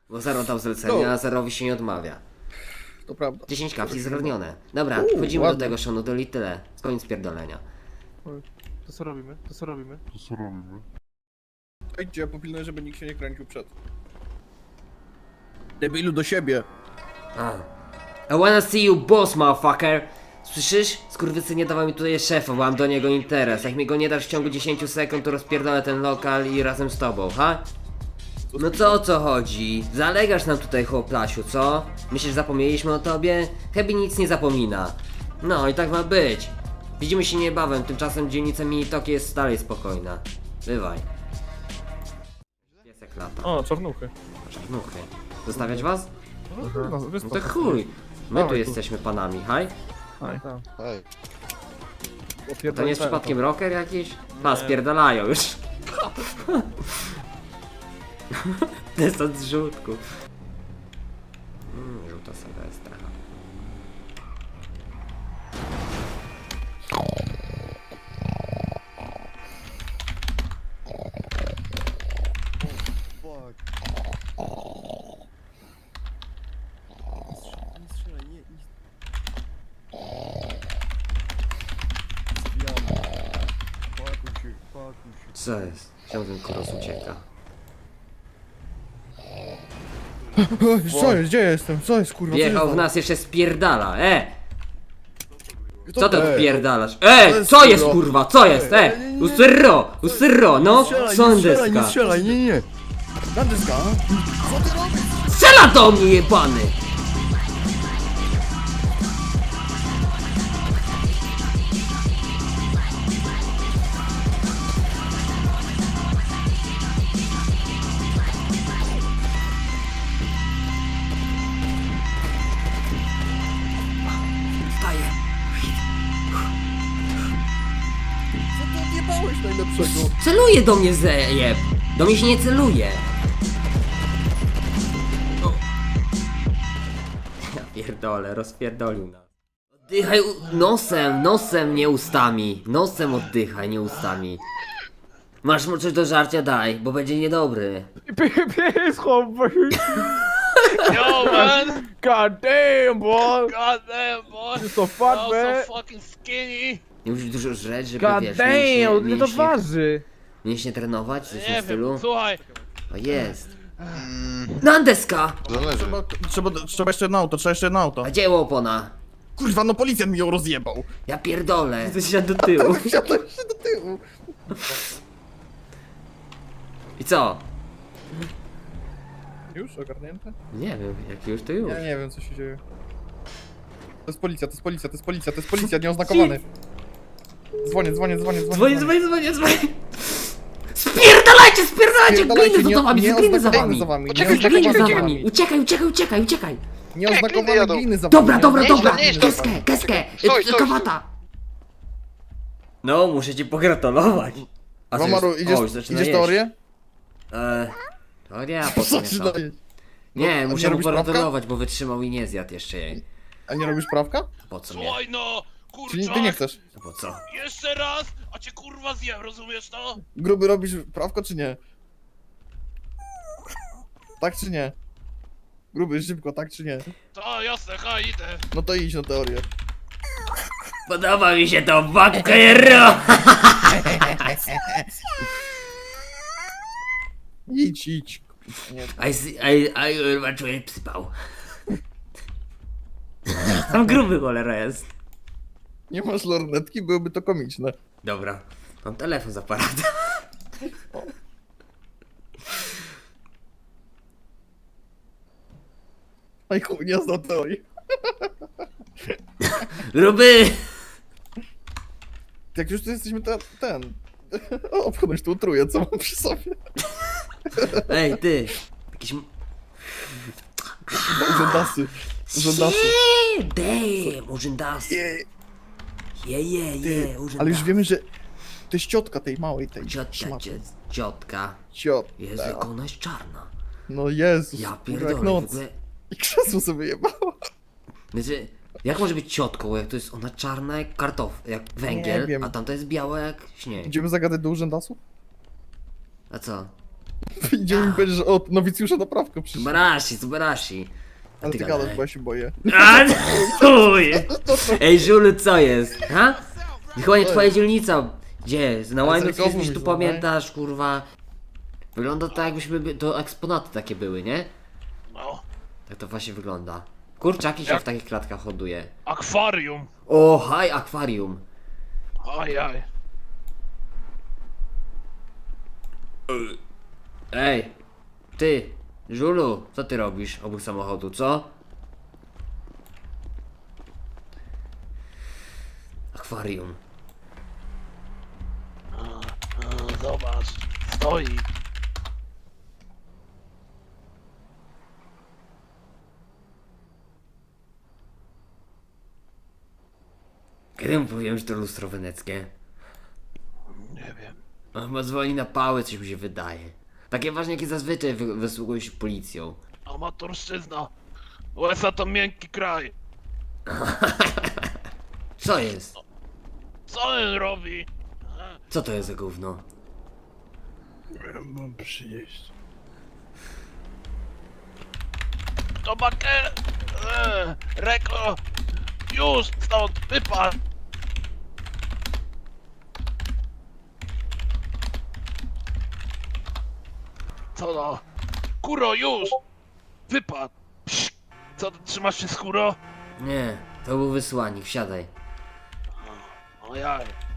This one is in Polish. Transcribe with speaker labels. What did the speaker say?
Speaker 1: Bo Zero dał zlecenie, a Zerowi się nie odmawia.
Speaker 2: To prawda.
Speaker 1: 10 kapsli zrównione. Dobra, wchodzimy do tego Shonu, to tyle. Koniec pierdolenia.
Speaker 3: To co robimy? To co robimy?
Speaker 2: Idźcie, popilnuję, żeby nikt się nie kręcił przed. Debilu do siebie.
Speaker 1: I wanna see you boss, motherfucker! Słyszysz? Skurwysy nie dawał mi tutaj szefa, bo mam do niego interes. Jak mi go nie dasz w ciągu 10 sekund, to rozpierdolę ten lokal i razem z tobą, ha? No co o co chodzi? Zalegasz nam tutaj, chłoplasiu, co? Myślisz, zapomnieliśmy o tobie? Hebi nic nie zapomina. No i tak ma być. Widzimy się niebawem, tymczasem dzielnica Minitoki jest dalej spokojna. Bywaj. Piesek lata.
Speaker 3: O, czarnuchy.
Speaker 1: Czarnuchy. Zostawiać was?
Speaker 3: No,
Speaker 1: No to chuj. My tu
Speaker 3: Dawaj tu.
Speaker 1: jesteśmy panami, haj?
Speaker 3: Hej.
Speaker 1: To nie jest przypadkiem rocker jakiś? Pa, spierdalają już. Desant z żółtku. Żółta Sylwestra. Co jest? Czemu ten koros ucieka?
Speaker 2: Co jest? Gdzie jestem? Co jest kurwa?
Speaker 1: Wjechał w nas, jeszcze spierdala,
Speaker 2: Co
Speaker 1: Co ty
Speaker 2: to?
Speaker 1: odpierdalasz?
Speaker 2: jest,
Speaker 1: Co jest
Speaker 2: kurwa?
Speaker 1: kurwa? Co jest? Usyrro, no! Sądeska!
Speaker 2: strzelaj, nie. Dandeska? Co ty robisz?
Speaker 1: Strzela do mnie, jebany! Wstaję.
Speaker 2: Co ty odjebałeś najlepszego?
Speaker 1: Celuje do mnie, zajeb! Do mnie się nie celuje! Ja pierdolę, rozpierdolił nas. Oddychaj nosem, nie ustami. Nosem oddychaj, nie ustami. Masz mu coś do żarcia? Daj, bo będzie niedobry.
Speaker 3: Pies, chłopaki.
Speaker 4: Yo, man!
Speaker 3: God damn, boy.
Speaker 4: God damn, boy!
Speaker 3: You're so fat,
Speaker 4: I'm
Speaker 3: man.
Speaker 4: so fucking skinny!
Speaker 1: Nie musisz dużo żreć, żeby
Speaker 3: God
Speaker 1: wiesz,
Speaker 3: damn, ile to
Speaker 1: mięśnie,
Speaker 3: waży?
Speaker 1: mięśnie trenować, coś w tym
Speaker 4: Nie
Speaker 1: stylu.
Speaker 4: wiem, słuchaj!
Speaker 1: O jest. Nandeska!
Speaker 2: Trzeba jeszcze jedno auto,
Speaker 1: A gdzie opona?
Speaker 2: Kurwa, no policjant mi ją rozjebał.
Speaker 1: Ja pierdolę. Ty się do tyłu.
Speaker 2: Wsiadłem się do tyłu.
Speaker 1: I co?
Speaker 2: Już ogarnięte?
Speaker 1: Nie wiem, jak już to już.
Speaker 2: Ja nie wiem co się dzieje. To jest policja, to jest policja, to jest policja, to jest policja, nieoznakowany. Dzwonię.
Speaker 1: Dzwonię. Spierdalajcie, gliny za wami, gliny za wami.
Speaker 4: Poczekaj,
Speaker 1: Gliny za
Speaker 4: czekaj.
Speaker 1: wami. Uciekaj.
Speaker 2: Nieoznakowane
Speaker 4: jadą.
Speaker 2: gliny za wami.
Speaker 1: Dobra.
Speaker 4: Nie idź tam.
Speaker 1: Keskę.
Speaker 4: Stój.
Speaker 1: Kawata. No, muszę ci pogratulować. A co
Speaker 2: Mamaru,
Speaker 1: jest?
Speaker 2: idziesz,
Speaker 1: O, już zaczyna
Speaker 2: idziesz
Speaker 1: jeść.
Speaker 2: teorię?
Speaker 1: To nie, po co mnie to?
Speaker 2: Zaczyna jeść.
Speaker 1: Nie,
Speaker 2: a
Speaker 1: muszę
Speaker 2: nie
Speaker 1: mu
Speaker 2: robisz prawka?
Speaker 1: pogratulować, bo wytrzymał i nie zjadł jeszcze jej.
Speaker 2: A nie robisz prawka?
Speaker 1: Po co mnie?
Speaker 4: Słuchaj no!
Speaker 2: Czyli
Speaker 4: Kurczak!
Speaker 2: ty nie chcesz?
Speaker 1: Po co?
Speaker 4: Jeszcze raz, a cię kurwa zjem, rozumiesz to?
Speaker 2: Gruby, robisz prawko czy nie? Tak czy nie? Gruby, szybko, tak czy nie?
Speaker 4: To jasne, idę.
Speaker 2: No to idź na teorię.
Speaker 1: Podoba mi się to, bakero!
Speaker 2: Idź. Nie.
Speaker 1: I kurwa czuję psypał. Tam gruby cholera jest.
Speaker 2: Nie masz lornetki, byłoby to komiczne.
Speaker 1: Dobra, mam telefon z aparatem.
Speaker 2: Aj chuj, nie znam teorii.
Speaker 1: Gruby!
Speaker 2: Jak już tu jesteśmy, to ten... O, obchodź tu utruję, co mam przy sobie.
Speaker 1: Ej, ty! Jakiś...
Speaker 2: Urzędasy.
Speaker 1: Damn, urzędasy.
Speaker 2: Jej.
Speaker 1: Urzędasy.
Speaker 2: Ale już wiemy, że to jest ciotka tej małej, tej szmaty.
Speaker 1: Ciotka. Jezu,
Speaker 2: Ciotka.
Speaker 1: jak ona jest czarna.
Speaker 2: No Jezus,
Speaker 1: Ja
Speaker 2: jak
Speaker 1: pierdolę, w
Speaker 2: noc.
Speaker 1: ogóle...
Speaker 2: I krzesło sobie jebało.
Speaker 1: Znaczy, jak może być ciotką, jak to jest ona czarna jak jak
Speaker 2: Nie
Speaker 1: węgiel,
Speaker 2: wiem.
Speaker 1: a tamta jest biała jak śnieg.
Speaker 2: Idziemy zagadać do urzędasów?
Speaker 1: A co?
Speaker 2: Idziemy mi powiedzieć, że od nowicjusza na prawko przyszedł.
Speaker 1: Subarashi.
Speaker 2: Ale ty gadasz, bo ja się boję.
Speaker 1: A, chuj! Ej, Żulu, co jest? Ha? Chyba nie twoja dzielnica. Gdzie? Na
Speaker 2: Ale
Speaker 1: Łajmie
Speaker 2: zerkową
Speaker 1: coś
Speaker 2: mi
Speaker 1: tu
Speaker 2: złamaj.
Speaker 1: pamiętasz, kurwa. Wygląda to jakbyśmy, to eksponaty takie były, nie?
Speaker 4: No,
Speaker 1: Tak to właśnie wygląda. Kurczaki się
Speaker 4: Jak?
Speaker 1: w takich klatkach hoduje.
Speaker 4: akwarium.
Speaker 1: O, haj, akwarium.
Speaker 4: Ajaj.
Speaker 1: Ej, ty, Żulu, co ty robisz obok samochodu, co? Akwarium.
Speaker 4: Zobacz, stoi.
Speaker 1: Kiedy mu powiem, że to lustro weneckie?
Speaker 4: Nie wiem.
Speaker 1: On chyba dzwoni na pałę, coś mi się wydaje. Takie ważne, jakie zazwyczaj wysługuje się policją.
Speaker 4: Amatorszczyzna. USA to miękki kraj.
Speaker 1: Co jest?
Speaker 4: Co on robi?
Speaker 1: Co to jest za gówno?
Speaker 3: Mam przynieść.
Speaker 4: To bakę... Reko... Już stąd, wypadł. Co no? Kuro, już! Wypadł! Psz. Co, trzymasz się skóro?
Speaker 1: Nie, to był wysłannik, wsiadaj.
Speaker 4: O jaj.